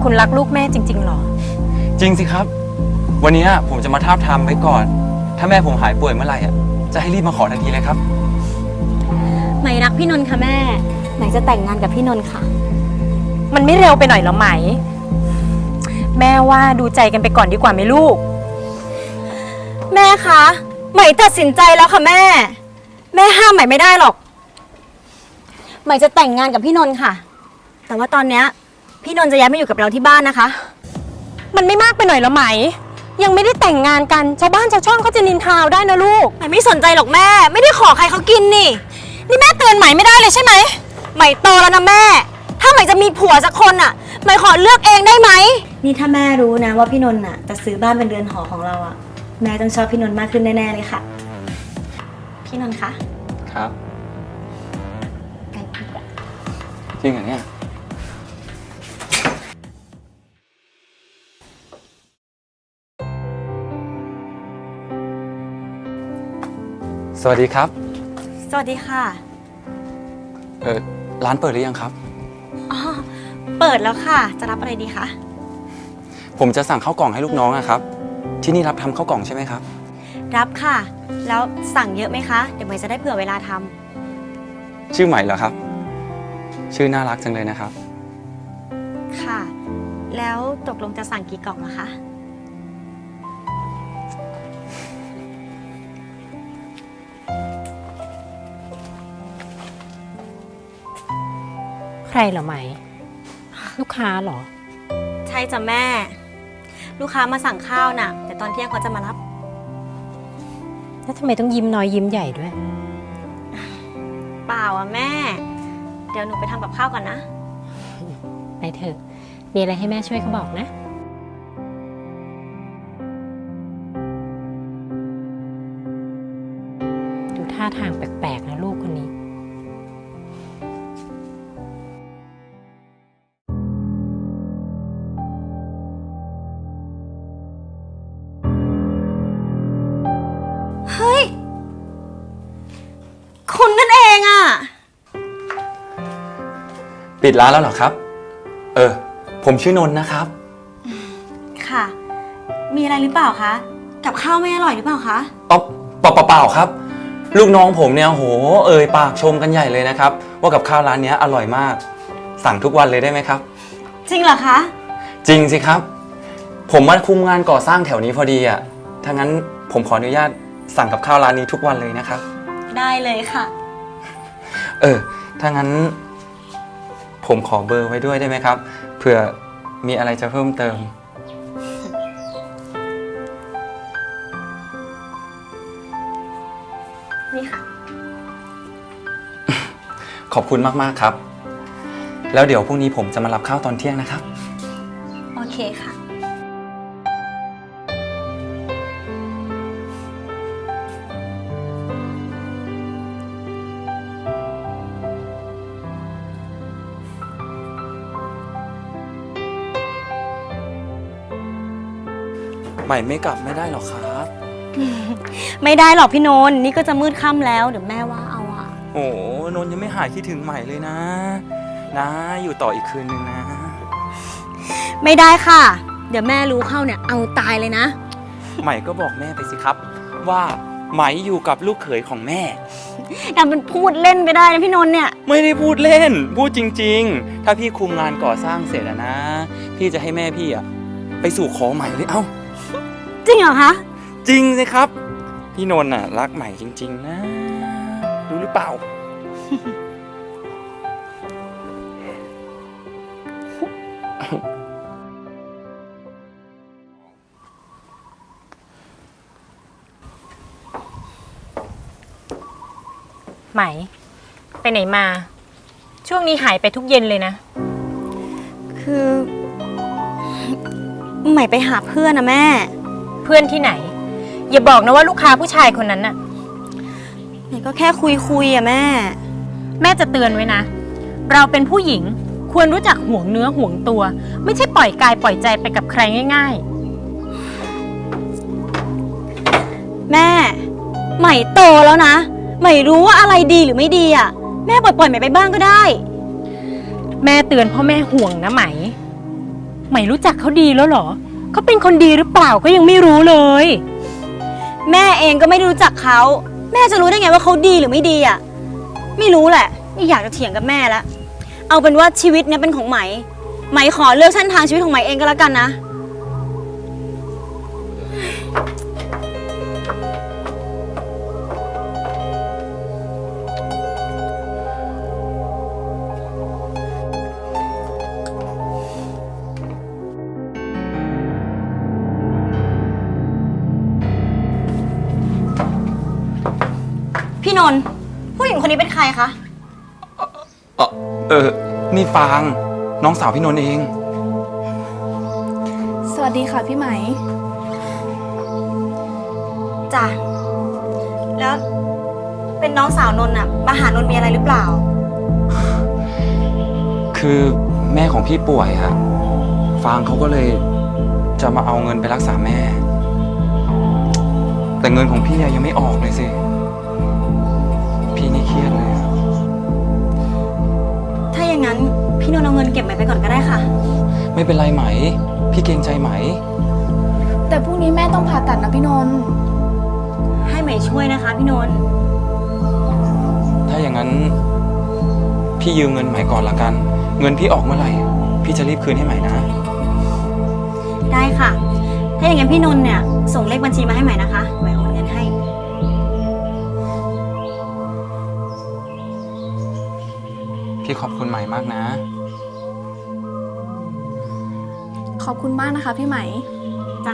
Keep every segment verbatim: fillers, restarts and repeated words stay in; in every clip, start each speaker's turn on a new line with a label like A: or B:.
A: คุณรักลูกแม่จริงๆหรอ
B: จริงสิครับวันนี้ผมจะมาทาบทามไว้ก่อนถ้าแม่ผมหายป่วยเมื่อไหร่อ่ะจะให้รีบมาขอทันทีเลยครับ
C: ไหมรักพี่นนท์ค่ะแม่ไหมจะแต่งงานกับพี่นนท์ค่ะ
A: มันไม่เร็วไปหน่อยหรอไหมแม่ว่าดูใจกันไปก่อนดีกว่าไหมลูก
C: แม่คะไหมตัดสินใจแล้วค่ะแม่แม่ห้ามไหมไม่ได้หรอกไหมจะแต่งงานกับพี่นนท์ค่ะแต่ว่าตอนเนี้ยพี่นนท์จะย้ายมาอยู่กับเราที่บ้านนะคะ
A: มันไม่มากไปหน่อยหรอไหมยังไม่ได้แต่งงานกันชาวบ้านชาวช่องเขาจะนินทาได้นะลูก
C: ไหมไม่สนใจหรอกแม่ไม่ได้ขอใครเขากินนี่นี่แม่เตือนไหมไม่ได้เลยใช่ไหมไหมโตแล้วนะแม่ถ้าไหมจะมีผัวสักคนอ่ะไหมขอเลือกเองได้ไหมนี่ถ้าแม่รู้นะว่าพี่นนท์อ่ะจะซื้อบ้านเป็นเรือนหอของเราอ่ะแม่ต้องชอบพี่นนท์มากขึ้นแน่ๆเลยค่ะพี่นนท์คะ
B: ครับ
C: ไปดีกว่า
B: จริงเหรอเนี่ยสวัสดีครับ
C: สวัสดีค่ะ
B: เออร้านเปิดหรือยังครับ
C: อ๋อเปิดแล้วค่ะจะรับอะไรดีคะ
B: ผมจะสั่งข้าวกล่องให้ลูกน้องอะครับที่นี่รับทำข้าวกล่องใช่ไหมครับ
C: รับค่ะแล้วสั่งเยอะไหมคะเดี๋ยวไหมจะได้เผื่อเวลาทำ
B: ชื่อใหม่เหรอครับชื่อน่ารักจังเลยนะครับ
C: ค่ะแล้วตกลงจะสั่งกี่กล่องนะคะ
A: ใครเหรอไหมลูกค้าเหรอ
C: ใช่จ้ะแม่ลูกค้ามาสั่งข้าวน่ะแต่ตอนเที่ยงเขาจะมารับ
A: แล้วทำไมต้องยิ้มน้อยยิ้มใหญ่ด้วย
C: เปล่าอ่ะแม่เดี๋ยวหนูไปทำกับข้าวก่อนนะ
A: ไปเถอะมีอะไรให้แม่ช่วยเขาบอกนะดูท่าทางแปลกๆนะลูกคนนี้
C: เฮ้ยคุณนั่นเองอ่ะ
B: ปิดร้านแล้วเหรอครับเออผมชื่อนนท์นะครับ
C: ค่ะมีอะไรหรือเปล่าคะกับข้าวไม่อร่อยหรือเปล่าคะ
B: อ๋อเปล่าเปล่าครับลูกน้องผมเนี่ยโหเอ่ยปากชมกันใหญ่เลยนะครับว่ากับข้าวร้านนี้อร่อยมากสั่งทุกวันเลยได้ไหมครับ
C: จริงเหรอคะ
B: จริงสิครับผมมาคุมงานก่อสร้างแถวนี้พอดีอ่ะถ้างั้นผมขออนุญาตสั่งกับข้าวร้านนี้ทุกวันเลยนะครับ
C: ได้เลยค่ะ
B: เออถ้างั้นผมขอเบอร์ไว้ด้วยได้ไหมครับเผื่อมีอะไรจะเพิ่มเติม
C: นี่ค่ะ
B: ขอบคุณมากๆครับแล้วเดี๋ยวพรุ่งนี้ผมจะมารับข้าวตอนเที่ยงนะครับ
C: โอเคค่ะ
B: ใหม่ไม่กลับไม่ได้หรอครับ
C: ไม่ได้หรอกพี่นนท์นี่ก็จะมืดค่ำแล้วเดี๋ยวแม่ว่าเอาอะ
B: โอ้นนท์ยังไม่หายคิดถึงใหม่เลยนะนะอยู่ต่ออีกคืนนึงนะ
C: ไม่ได้ค่ะเดี๋ยวแม่รู้เข้าเนี่ยเอาตายเลยนะ
B: ใหม่ก็บอกแม่ไปสิครับว่าไหมอยู่กับลูกเขยของแม่
C: แต่มันพูดเล่นไปได้นะพี่นนท์เนี่ย
B: ไม่ได้พูดเล่นพูดจริงๆถ้าพี่คุมงานก่อสร้างเสร็จแล้วนะพี่จะให้แม่พี่อะไปสู่ขอใหม่เลยเอ้า
C: จริงเหรอคะ
B: จริงสิครับพี่นนท์น่ะรักใหม่จริงๆนะรู้หรือเปล่า
A: ไหมไปไหนมาช่วงนี้หายไปทุกเย็นเลยนะ
C: คือใหม่ไปหาเพื่อนนะแม่
A: เพื่อนที่ไหนอย่าบอกนะว่าลูกค้าผู้ชายคนนั้นน่ะ
C: ใหม่ก็แค่คุยคุยอะแม่
A: แม่จะเตือนไว้นะเราเป็นผู้หญิงควรรู้จักห่วงเนื้อห่วงตัวไม่ใช่ปล่อยกายปล่อยใจไปกับใครง่าย
C: ๆแม่ใหม่โตแล้วนะใหม่รู้ว่าอะไรดีหรือไม่ดีอะแม่ปล่อยปล่อยใหม่ไปบ้างก็ได้
A: แม่เตือนเพราะแม่ห่วงนะไหมใหม่รู้จักเขาดีแล้วเหรอ เขาเป็นคนดีหรือเปล่าก็ยังไม่รู้เลย
C: แม่เองก็ไม่ได้รู้จักเขาแม่จะรู้ได้ไงว่าเขาดีหรือไม่ดีอ่ะไม่รู้แหละไม่อยากจะเถียงกับแม่แล้วเอาเป็นว่าชีวิตเนี้ยเป็นของไหมไหมขอเลือกเส้นทางชีวิตของไหมเองก็แล้วกันนะ พี่นนท์ผู้หญิงคนนี้เป็นใครคะ
B: เออเออนี่ฟางน้องสาวพี่นนท์เอง
D: สวัสดีค่ะพี่ไหม
C: จ้ะแล้วเป็นน้องสาวนนท์อะมาหานนท์มีอะไรหรือเปล่า
B: คือแม่ของพี่ป่วยอะฟางเขาก็เลยจะมาเอาเงินไปรักษาแม่ แต่เงินของพี่อะยังไม่ออกเลยสิ พี่นี่เครียดเลยอะ
C: ถ้าอย่างนั้นพี่นนท์เอาเงินเก็บไหมไปก่อนก็ได้ค่ะ
B: ไม่เป็นไรไหม พี่เกรงใจไหม
D: แต่พรุ่งนี้แม่ต้องผ่าตัดนะพี่นนท์
C: ให้ไหมช่วยนะคะพี่นนท์
B: ถ้าอย่างนั้น พี่ยืมเงินไหมก่อนละกัน เงินพี่ออกเมื่อไหร่ พี่จะรีบคืนให้ไหมนะ
C: ได้ค่ะ ถ้าอย่างนั้นพี่นนท์เนี่ยส่งเลขบัญชีมาให้ไหมนะคะไหมโอนเงินให้
B: พี่ขอบคุณไหมมากนะ
D: ขอบคุณมากนะคะพี่ไหม
C: จ้ะ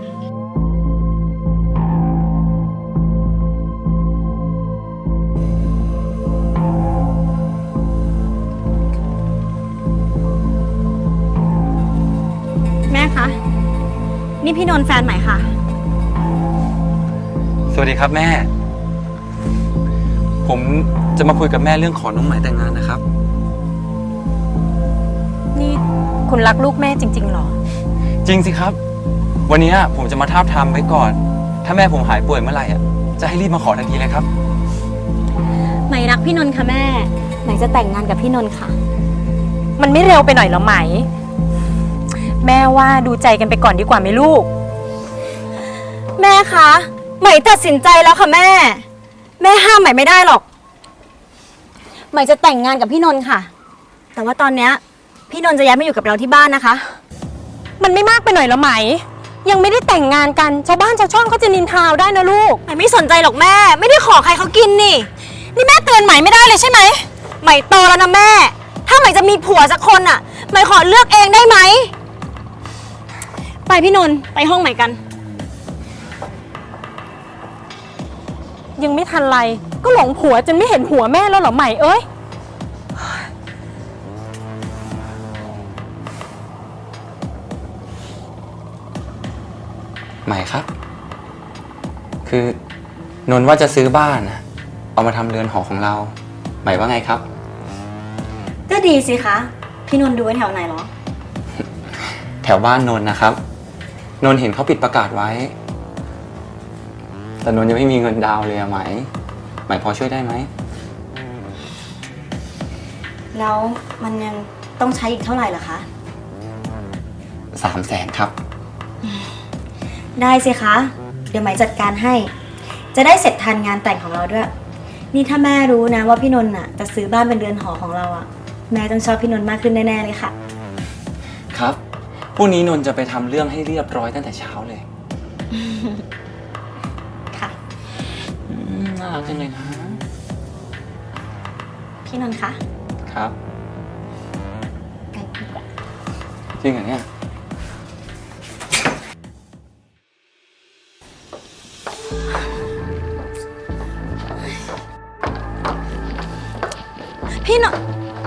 C: แม่คะ นี่พี่นนท์แฟนใหม่ค่ะ
B: สวัสดีครับแม่ ผมจะมาคุยกับแม่เรื่องขอน้องไหมแต่งงานนะครับ
A: นี่คุณรักลูกแม่จริงๆเหรอ
B: จริงสิครับ วันนี้ผมจะมาทาบทามไว้ก่อน ถ้าแม่ผมหายป่วยเมื่อไหร่อ่ะ จะให้รีบมาขอทันทีเลยครับ
C: ไหมรักพี่นนท์ค่ะแม่ ไหมจะแต่งงานกับพี่นนท์ค่ะ
A: มันไม่เร็วไปหน่อยเหรอไหม แม่ว่าดูใจกันไปก่อนดีกว่าไหมลูก
C: แม่คะ ไหมตัดสินใจแล้วค่ะแม่ แม่ห้ามไหมไม่ได้หรอก ไหมจะแต่งงานกับพี่นนท์ค่ะ แต่ว่าตอนเนี้ยพี่นนท์จะย้ายมาอยู่กับเราที่บ้านนะคะ
A: มันไม่มากไปหน่อยเหรอไหม ยังไม่ได้แต่งงานกันชาวบ้านชาวช่องเขาจะนินทาเอาได้นะลูก
C: ไหมไม่สนใจหรอกแม่ ไม่ได้ขอใครเขากินนี่ นี่แม่เตือนไหมไม่ได้เลยใช่ไหมไหมโตแล้วนะแม่ ถ้าไหมจะมีผัวสักคนอ่ะไหมขอเลือกเองได้ไหม ไปพี่นนท์ไปห้องไหมกัน
A: ยังไม่ทันไรก็หลงผัวจนไม่เห็นหัวแม่แล้วเหรอไหมเอ้ย
B: ไหมครับ คือนนท์ว่าจะซื้อบ้านนะเอามาทำเรือนหอของเรา ไหมว่าไงครับ
C: ก็ดีสิคะ พี่นนท์ดูไว้แถวไหนเหรอ
B: แถวบ้านนนท์นะครับ นนท์เห็นเขาปิดประกาศไว้ แต่นนท์ยังไม่มีเงินดาวน์เลยอะไหม ไหมพอช่วยได้ไหม
C: แล้วมันยังต้องใช้อีกเท่าไหร่ล่ะคะ
B: สามแสนครับ
C: ได้สิคะ เดี๋ยวไหมจัดการให้ จะได้เสร็จทันงานแต่งของเราด้วย นี่ถ้าแม่รู้นะว่าพี่นนท์น่ะจะซื้อบ้านเป็นเรือนหอของเราอะแม่ต้องชอบพี่นนท์มากขึ้นแน่ๆเลยค่ะ
B: ครับ พรุ่งนี้นนท์จะไปทำเรื่องให้เรียบร้อยตั้งแต่เช้าเลย
C: ค่ะ
B: อืมน่ารักจังเลยนะ
C: พี่นนท์คะ
B: ครับ
C: ไปดีกว่า
B: จริงเหรอเนี่ย
C: พี่นนท์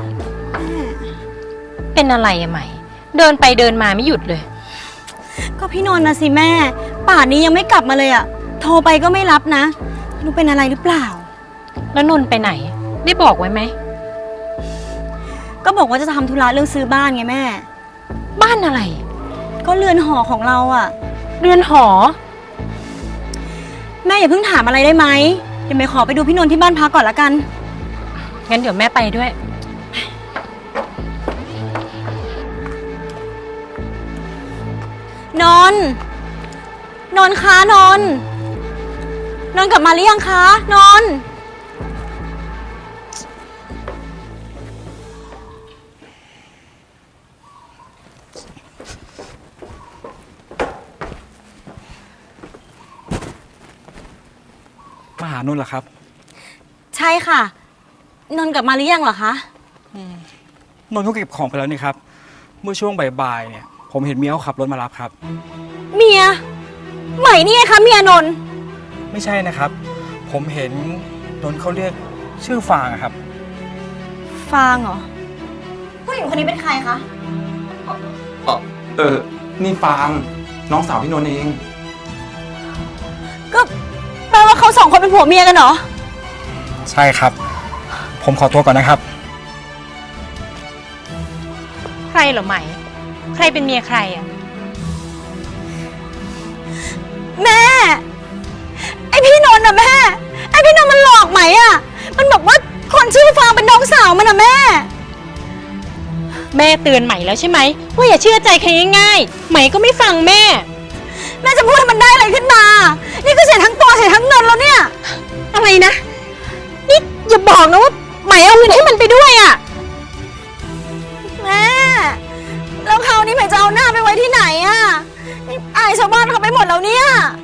A: เป็นอะไรอะไหม เดินไปเดินมาไม่หยุดเลย
C: ก็พี่นนท์นะสิแม่ ป่านนี้ยังไม่กลับมาเลยอะโทรไปก็ไม่รับนะไม่รู้เป็นอะไรหรือเปล่า
A: แล้วนนท์ไปไหน ได้บอกไว้ไหม
C: ก็บอกว่าจะทำธุระเรื่องซื้อบ้านไงแม่
A: บ้านอะไร
C: ก็เรือนหอของเราอะ
A: เรือนหอ
C: แม่อย่าเพิ่งถามอะไรได้ไหมเดี๋ยวไปขอไปดูพี่นนท์ที่บ้านพักก่อนละกัน
A: งั้นเดี๋ยวแม่ไปด้วย
C: นนท์นนท์คะนนท์นนท์กลับมาหรือยังคะนนท์
E: มาหานุ่นเหรอครับ
C: ใช่ค่ะ นนท์กลับมาหรือยังเหรอคะ
E: นนท์เขาเก็บของไปแล้วนี่ครับ เมื่อช่วงบ่ายๆเนี่ย ผมเห็นเมียเขาขับรถมารับครับ
C: เมียใหม่นี่ไงคะเมียนนท์
E: ไม่ใช่นะครับ ผมเห็นนนท์เขาเรียกชื่อฟางอะครับ
C: ฟางเหรอผู้หญิงคนนี้เป็นใครคะ
B: เออเออ นี่ฟางน้องสาวพี่นนท์เอง
C: ก็แปลว่าเขาสองคนเป็นผัวเมียกันเหรอ
E: ใช่ครับ ผมขอตัวก่อนนะครับ
A: ใครเหรอไหม ใครเป็นเมียใครอ่ะ
C: แม่ ไอพี่นนท์อะแม่ ไอพี่นนท์มันหลอกไหมอะมันบอกว่าคนชื่อฟางเป็นน้องสาวมันอะแม่
A: แม่เตือนไหมแล้วใช่ไหมว่าอย่าเชื่อใจใครง่ายๆไหมก็ไม่ฟังแม่
C: แม่จะพูดให้มันได้อะไรขึ้นมา นี่ก็เสียทั้งตัวเสียทั้งเงินแล้วเนี่ย
A: อะไรนะ นี่อย่าบอกนะว่าไหมเอาเงินให้มันไปด้วยอ่ะ
C: แม่ แล้วคราวนี้ใหม่จะเอาหน้าไปไว้ที่ไหนอะนี่อายชาวบ้านเขาไปหมดแล้วเนี่ย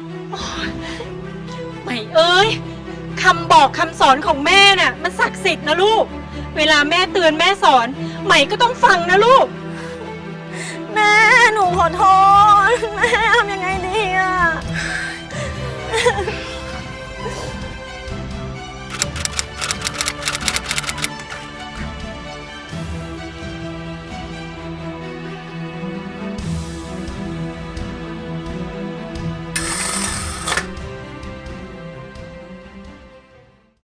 A: ไหมเอ้ยคำบอกคำสอนของแม่น่ะมันศักดิ์สิทธิ์นะลูก เวลาแม่เตือนแม่สอนไหมก็ต้องฟังนะลูก
C: แม่หนูขอโทษ แม่ทำยังไงดีอะ